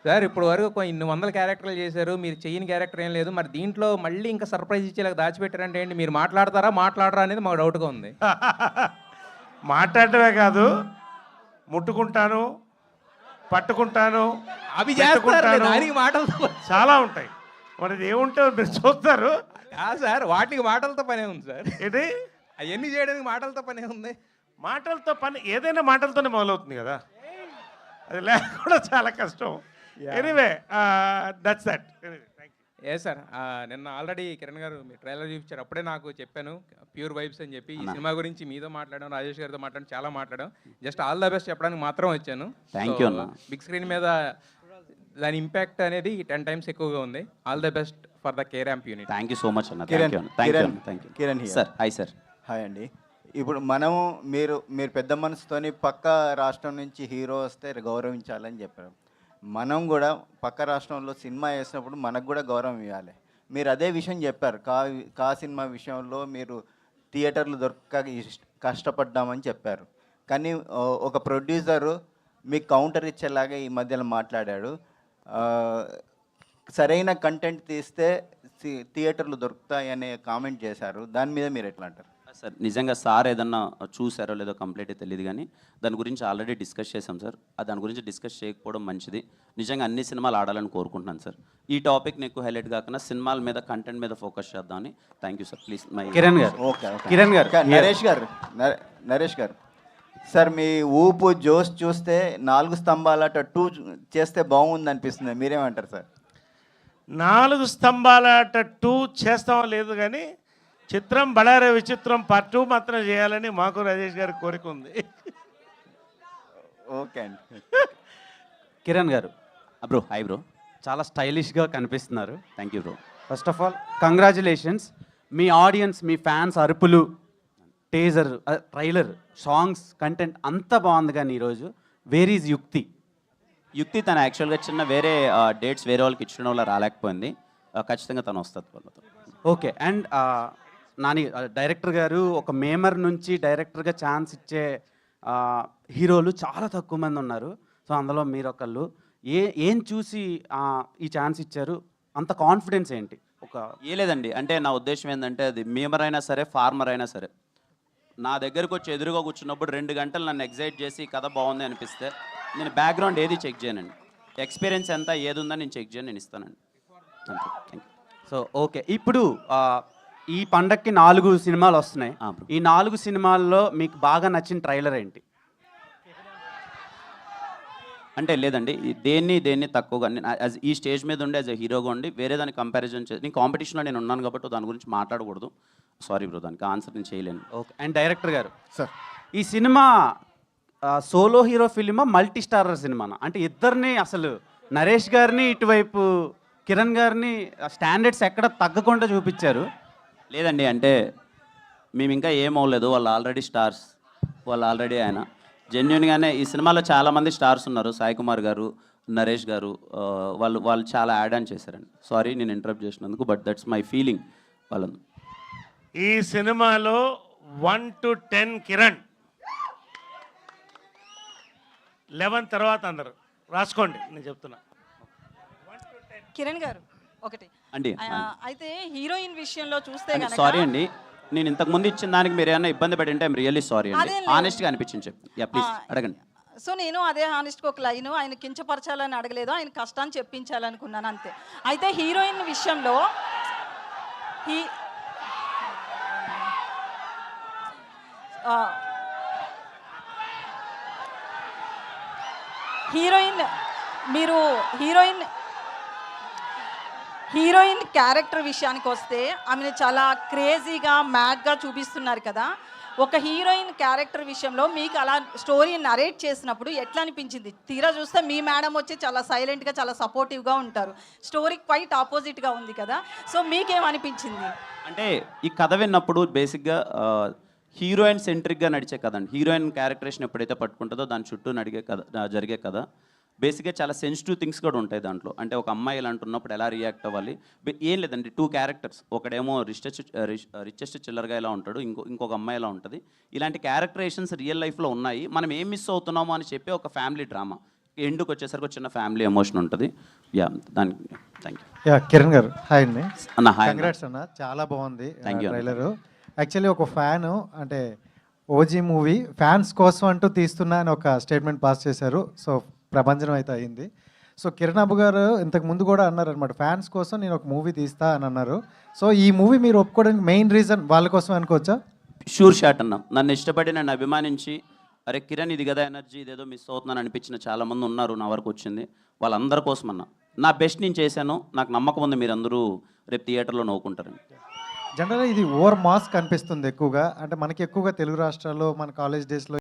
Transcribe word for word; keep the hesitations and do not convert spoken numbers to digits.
Sir ఇప్పుడు వరకు ఇన్ని వందల క్యారెక్టర్లు చేశారు, మీరు చెయ్యని క్యారెక్టర్ ఏం లేదు. మరి దీంట్లో మళ్ళీ ఇంకా సర్ప్రైజ్ ఇచ్చేలాగా దాచిపెట్టారంటే ఏంటి? మీరు మాట్లాడతారా మాట్లాడరా అనేది మాకు డౌట్గా ఉంది. మాట్లాడటమే కాదు, ముట్టుకుంటాను, పట్టుకుంటాను, అవి చేస్తారు పెట్టుకుంటాను. దానికి మాటలతో చాలా ఉంటాయి. మరి ఏముంటే మీరు చూస్తారు. కాదు సార్, వాటికి మాటలతో పనే ఉంది సార్. ఇది అవన్నీ చేయడానికి మాటలతో పనే ఉంది. మాటలతో పని ఏదైనా మాటలతోనే మొదలవుతుంది కదా, అది లేకుండా చాలా కష్టం. Anyway that's that. ఏ సార్, నిన్న ఆల్రెడీ కిరణ్ గారు మీ ట్రైలర్ చూపించారు, అప్పుడే నాకు చెప్పాను ప్యూర్ వైబ్స్ అని చెప్పి. ఈ సినిమా గురించి మీతో మాట్లాడాం, రాజేష్ గారితో మాట్లాడడం, చాలా మాట్లాడాం. జస్ట్ ఆల్ ద బెస్ట్ చెప్పడానికి మాత్రం వచ్చాను. థ్యాంక్ యూ అన్న. బిగ్ స్క్రీన్ మీద దాని ఇంపాక్ట్ అనేది టెన్ టైమ్స్ ఎక్కువగా ఉంది. All the best for the K ramp unit. Thank you so much అన్న. Kiran Kiran thank you Kiran sir. Hi sir. Hi అండి. ఇప్పుడు మనము మీరు మీరు పెద్ద మనసుతోని పక్క రాష్ట్రం నుంచి హీరో వస్తే గౌరవించాలని చెప్పారు. మనం కూడా పక్క రాష్ట్రంలో సినిమా వేసినప్పుడు మనకు కూడా గౌరవం ఇవ్వాలి. మీరు అదే విషయం చెప్పారు. కా కా సినిమా విషయంలో మీరు థియేటర్లు దొరక్క కష్టపడ్డామని చెప్పారు. కానీ ఒక ప్రొడ్యూసరు మీకు కౌంటర్ ఇచ్చేలాగా ఈ మధ్యలో మాట్లాడాడు. సరైన కంటెంట్ తీస్తే థియేటర్లు దొరుకుతాయి అనే కామెంట్ చేశారు. దాని మీద మీరు ఎట్లా అంటారు? సార్ నిజంగా సార్ ఏదన్నా చూసారో లేదో కంప్లీట్గా తెలియదు, కానీ దాని గురించి ఆల్రెడీ డిస్కస్ చేసాం సార్. దాని గురించి డిస్కస్ చేయకపోవడం మంచిది. నిజంగా అన్ని సినిమాలు ఆడాలని కోరుకుంటున్నాను సార్. ఈ టాపిక్ని ఎక్కువ హైలైట్ కాకుండా సినిమాల మీద కంటెంట్ మీద ఫోకస్ చేద్దామని. Thank you sir. Please my Kiran garu. Okay Kiran గారు. నరేష్ గారు నరేష్ గారు సార్, మీ ఊపు జోష్ చూస్తే నాలుగు స్తంభాల టూ చేస్తే బాగుంది అనిపిస్తుంది. మీరేమంటారు సార్? నాలుగు స్తంభాల టూ చేస్తామో లేదు, కానీ చిత్రం బళారే విచిత్రం పార్ట్ టూ మాత్రం చేయాలని మాకు రాజేష్ గారి కోరిక ఉంది. ఓకే అండి. Kiran garu. Bro hi bro. చాలా స్టైలిష్గా కనిపిస్తున్నారు. Thank you bro. First of all congratulations. మీ ఆడియన్స్, మీ ఫ్యాన్స్ అరుపులు, టేజర్, ట్రైలర్, సాంగ్స్, కంటెంట్ అంతా బాగుంది. కానీ ఈరోజు వేర్ ఈజ్ యుక్తి? యుక్తి తన యాక్చువల్గా చిన్న వేరే డేట్స్ వేరే వాళ్ళకి ఇచ్చడం వల్ల రాలేకపోయింది. ఖచ్చితంగా తను వస్తుంది వాళ్ళతో. ఓకే. అండ్ నాని డైరెక్టర్ గారు ఒక మేమర్ నుంచి డైరెక్టర్గా ఛాన్స్ ఇచ్చే హీరోలు చాలా తక్కువ మంది ఉన్నారు. సో అందులో మీరు ఒకళ్ళు. ఏ ఏం చూసి ఈ ఛాన్స్ ఇచ్చారు? అంత కాన్ఫిడెన్స్ ఏంటి? ఒక ఏ లేదండి, అంటే నా ఉద్దేశం ఏంటంటే అది మేమర్ అయినా సరే ఫార్మర్ అయినా సరే నా దగ్గరకు వచ్చి ఎదురుగా కూర్చున్నప్పుడు రెండు గంటలు నన్ను ఎగ్జైట్ చేసి కథ బాగుంది అనిపిస్తే నేను బ్యాక్గ్రౌండ్ ఏది చెక్ చేయనండి. ఎక్స్పీరియన్స్ ఎంత ఏది ఉందని నేను చెక్ చేయను, నేను ఇస్తానండి. Thank you. సో ఓకే, ఇప్పుడు ఈ పండక్కి నాలుగు సినిమాలు వస్తున్నాయి. ఈ నాలుగు సినిమాల్లో మీకు బాగా నచ్చిన ట్రైలర్ ఏంటి? అంటే లేదండి, దేన్ని దేన్ని తక్కువగా యాజ్ ఈ స్టేజ్ మీద ఉండి యాజ్ ఎ హీరోగా ఉండి వేరే దాన్ని కంపారిజన్ చేసి నేను కాంపిటీషన్లో నేను ఉన్నాను కాబట్టి దాని గురించి మాట్లాడకూడదు. సారీ బ్రో, దానికి ఆన్సర్ నేను చేయలేను. Okay. And director garu sir, ఈ సినిమా సోలో హీరో ఫిలిమా మల్టీ స్టారర్ సినిమానా? అంటే ఇద్దరిని అసలు నరేష్ గారిని ఇటువైపు కిరణ్ గారిని స్టాండర్డ్స్ ఎక్కడ తగ్గకుండా చూపించారు. లేదండి, అంటే మేము ఇంకా ఏం అవ్వలేదు. వాళ్ళు ఆల్రెడీ స్టార్స్, వాళ్ళు ఆల్రెడీ ఆయన జెన్యున్గానే ఈ సినిమాలో చాలామంది స్టార్స్ ఉన్నారు. సాయి కుమార్ గారు, నరేష్ గారు, వాళ్ళు వాళ్ళు చాలా యాడ్ ఆన్ చేశారండి. సారీ నేను ఇంటరప్ట్ చేసినందుకు, బట్ దట్స్ మై ఫీలింగ్. వాళ్ళను ఈ సినిమాలో one to ten Kiran, eleven తర్వాత అందరు రాసుకోండి, నేను చెప్తున్నా. కిరణ్ గారు ఒకటి అండి. అయితే హీరోయిన్ విషయంలో చూస్తే గనక సారీ అండి, నేను ఇంతకు ముందు ఇచ్చిన దానికి మీరు ఏమైనా ఇబ్బంది పడి ఉంటే ఐమ్ రియల్లీ సారీ అండి. ఆనెస్ట్గా అనిపించింది చెప్పి. యా ప్లీజ్ అడగండి. సో నేను అదే హానెస్ట్గా ఒక లైన్, ఆయన కించపరచాలని అడగలేదు, ఆయన కష్టాన్ని చెప్పించాలనుకున్నాను అంతే. అయితే హీరోయిన్ విషయంలో హీ హీరోయిన్ మీరు హీరోయిన్ హీరోయిన్ క్యారెక్టర్ విషయానికి వస్తే ఆమెను చాలా క్రేజీగా మ్యాడ్గా చూపిస్తున్నారు కదా. ఒక హీరోయిన్ క్యారెక్టర్ విషయంలో మీకు అలా స్టోరీ నరేట్ చేసినప్పుడు ఎట్లా అనిపించింది? తీరా చూస్తే మీ మేడం వచ్చి చాలా సైలెంట్గా చాలా సపోర్టివ్గా ఉంటారు. స్టోరీ క్వైట్ ఆపోజిట్గా ఉంది కదా. సో మీకేమనిపించింది? అంటే ఈ కథ విన్నప్పుడు బేసిక్గా హీరోయిన్ సెంట్రిక్గా నడిచే కథ అండి. హీరోయిన్ క్యారెక్టరేషన్ ఎప్పుడైతే పట్టుకుంటుందో దాని చుట్టూ నడిగే కథ, జరిగే కథ. బేసిక్గా చాలా సెన్సిటివ్ థింగ్స్ కూడా ఉంటాయి దాంట్లో. అంటే ఒక అమ్మాయి ఇలా అంటున్నప్పుడు ఎలా రియాక్ట్ అవ్వాలి, ఏం లేదండి. టూ క్యారెక్టర్స్, ఒకడేమో రిచెస్ట్ రిచెస్ట్ చిల్లర్గా ఇలా ఉంటాడు, ఇంకో ఇంకొక అమ్మాయి ఇలా ఉంటుంది. ఇలాంటి క్యారెక్టరేషన్స్ రియల్ లైఫ్లో ఉన్నాయి. మనం ఏం మిస్ అవుతున్నామో అని చెప్పి ఒక ఫ్యామిలీ డ్రామా. ఎండుకు వచ్చేసరికి ఒక చిన్న ఫ్యామిలీ ఎమోషన్ ఉంటుంది. యా దానికి thank you yeah Kiran garu hi అండి. అన్న. హాయ్ కంగ్రాట్స్ అన్న, చాలా బాగుంది Thank you అన్న. ట్రైలర్. యాక్చువల్లీ ఒక ఫ్యాన్ అంటే ఓజీ మూవీ ఫ్యాన్స్ కోసం అంటూ తీస్తున్నా అని ఒక స్టేట్మెంట్ పాస్ చేశారు. సో ప్రభంజనం అయితే అయింది. సో కిరణ్ అబ్బు గారు ఇంతకు ముందు కూడా అన్నారు అనమాట, ఫ్యాన్స్ కోసం నేను ఒక మూవీ తీస్తా అని అన్నారు. సో ఈ మూవీ మీరు ఒప్పుకోవడానికి మెయిన్ రీజన్ వాళ్ళ కోసం అనుకోవచ్చా? షూర్ షాట్ అన్న. నన్ను ఇష్టపడి నన్ను అభిమానించి అరే కిరణ్ ఇది కదా ఎనర్జీ, ఇదేదో మిస్ అవుతున్నాను అనిపించిన చాలామంది ఉన్నారు నా వరకు వచ్చింది. వాళ్ళందరి కోసం అన్న నా బెస్ట్ నేను చేశాను. నాకు నమ్మకం ఉంది మీరందరూ రేపు థియేటర్లో నవ్వుకుంటారని. జనరల్గా ఇది ఓవర్ మాస్ కనిపిస్తుంది ఎక్కువగా, అంటే మనకి ఎక్కువగా తెలుగు రాష్ట్రాల్లో మన కాలేజ్ డేస్లో